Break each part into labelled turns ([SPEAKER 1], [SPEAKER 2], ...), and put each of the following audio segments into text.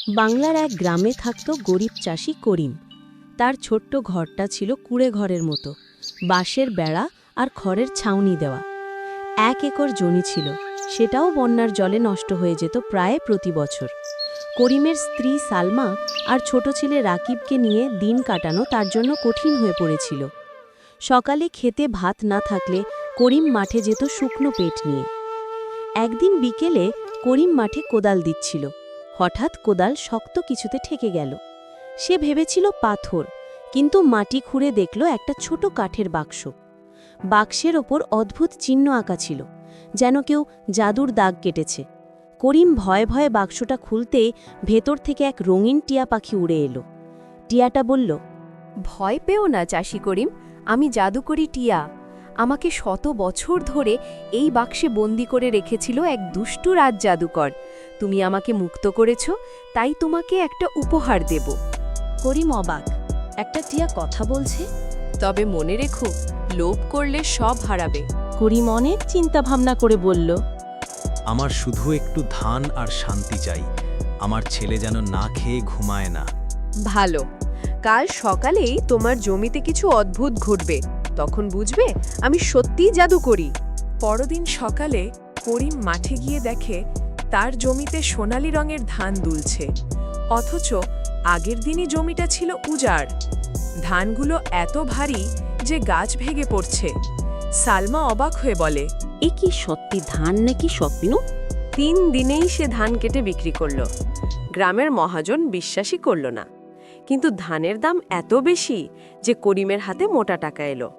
[SPEAKER 1] বাংলার এক গ্রামে থাকত গরিব চাষি করিম। তার ছোট্ট ঘরটা ছিল কুঁড়ে ঘরের মতো, বাঁশের বেড়া আর খড়ের ছাউনি দেওয়া। 1 একর জমি ছিল, সেটাও বন্যার জলে নষ্ট হয়ে যেত প্রায় প্রতি বছর। করিমের স্ত্রী সালমা আর ছোট ছেলে রাকিবকে নিয়ে দিন কাটানো তার জন্য কঠিন হয়ে পড়েছিল। সকালে খেতে ভাত না থাকলে করিম মাঠে যেত শুকনো পেট নিয়ে। একদিন বিকেলে করিম মাঠে কোদাল দিচ্ছিল, হঠাৎ কোদাল শক্ত কিছুতে ঠেকে গেল। সে ভেবেছিল পাথর, কিন্তু মাটি খুঁড়ে দেখল একটা ছোট কাঠের বাক্স। বাক্সের ওপর অদ্ভুত চিহ্ন আঁকা ছিল, যেন কেউ জাদুর দাগ কেটেছে। করিম ভয়ে ভয়ে বাক্সটা খুলতেই ভেতর থেকে এক রঙিন টিয়া পাখি উড়ে এলো। টিয়াটা বলল,
[SPEAKER 2] ভয় পেও না চাষি করিম, আমি জাদুকরি টিয়া। আমাকে 100 বছর ধরে এই বাক্সে বন্দি করে রেখেছিল এক দুষ্টু রাজ জাদুকর। তুমি আমাকে মুক্ত করেছ, তাই তোমাকে একটা উপহার দেব।
[SPEAKER 1] করিম অবাক, একটা টিয়া কথা বলছে?
[SPEAKER 2] তবে মনে রেখো, লোভ করলে সব হারাবে।
[SPEAKER 1] করিম অনেক চিন্তা ভাবনা করে বলল,
[SPEAKER 3] আমার শুধু একটু ধান আর শান্তি চাই। আমার ছেলে যেন না খেয়ে ঘুমায় না।
[SPEAKER 2] ভালো, কাল সকালেই তোমার জমিতে কিছু অদ্ভুত ঘটবে, তখন বুঝবে আমি সত্যিই জাদু করি। পরদিন সকালে করিম মাঠে গিয়ে দেখে তার জমিতে সোনালি রঙের ধান দুলছে, অথচ আগের দিনই জমিটা ছিল উজাড়। ধানগুলো এত ভারী যে গাছ ভেঙে পড়ছে। সালমা অবাক হয়ে বলে,
[SPEAKER 1] এ কি সত্যি ধান নাকি স্বপ্ন?
[SPEAKER 2] 3 দিনেই সে ধান কেটে বিক্রি করল। গ্রামের মহাজন বিশ্বাসই করল না, কিন্তু ধানের দাম এত বেশি যে করিমের হাতে মোটা টাকা এলো।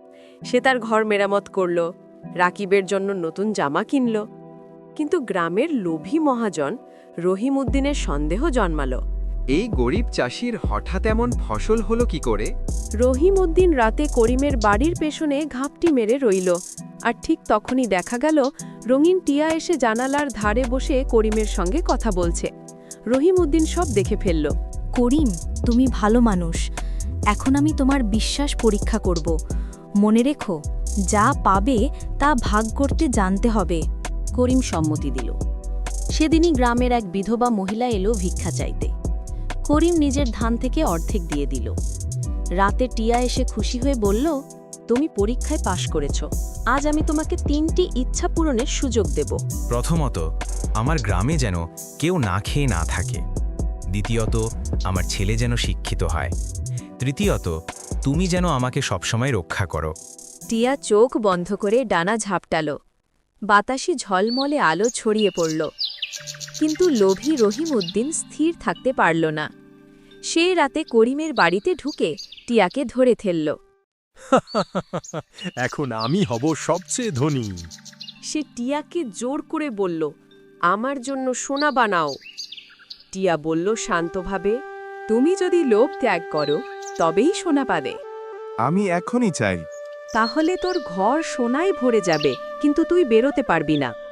[SPEAKER 2] সে তার ঘর মেরামত করল, রাকিবের জন্য নতুন জামা কিনল। কিন্তু গ্রামের লোভী মহাজন রহিম উদ্দিনের সন্দেহ জন্মালো।
[SPEAKER 4] এই গরিব চাষির হঠাৎ এমন ফসল হলো কি করে?
[SPEAKER 2] রহিম উদ্দিন রাতে করিমের বাড়ির পেছনে ঘাপটি মেরে রইল, আর ঠিক তখনই দেখা গেল রঙিন টিয়া এসে জানালার ধারে বসে করিমের সঙ্গে কথা বলছে। রহিম উদ্দিন সব দেখে ফেলল।
[SPEAKER 5] করিম, তুমি ভালো মানুষ, এখন আমি তোমার বিশ্বাস পরীক্ষা করব। মনে রেখো, যা পাবে তা ভাগ করতে জানতে হবে।
[SPEAKER 1] করিম সম্মতি দিল। সেদিনই গ্রামের এক বিধবা মহিলা এলো ভিক্ষা চাইতে। করিম নিজের ধান থেকে অর্ধেক দিয়ে দিল। রাতে টিয়া এসে খুশি হয়ে বলল, তুমি পরীক্ষায় পাশ করেছ, আজ আমি তোমাকে 3টি ইচ্ছা পূরণের সুযোগ দেব।
[SPEAKER 3] প্রথমত, আমার গ্রামে যেন কেউ না খেয়ে না থাকে। দ্বিতীয়ত, আমার ছেলে যেন শিক্ষিত হয়। তৃতীয়ত, তুমি যেন আমাকে সবসময় রক্ষা করো।
[SPEAKER 2] টিয়া চোখ বন্ধ করে ডানা ঝাপটাল। বাতাসে ঝলমলে আলো ছড়িয়ে পড়ল, কিন্তু লোভী রহিম উদ্দিন স্থির থাকতে পারল না। সে রাতে করিমের বাড়িতে ঢুকে টিয়াকে ধরে ফেলল।
[SPEAKER 6] এখন আমি হব সবচেয়ে ধনী।
[SPEAKER 2] সে টিয়াকে জোর করে বলল, আমার জন্য সোনা বানাও। টিয়া বলল শান্তভাবে, তুমি যদি লোভ ত্যাগ করো তবেই সোনা পাবে।
[SPEAKER 6] আমি এখনই চাই।
[SPEAKER 2] তাহলে তোর ঘর সোনায় ভরে যাবে, কিন্তু তুই বেরোতে পারবি না।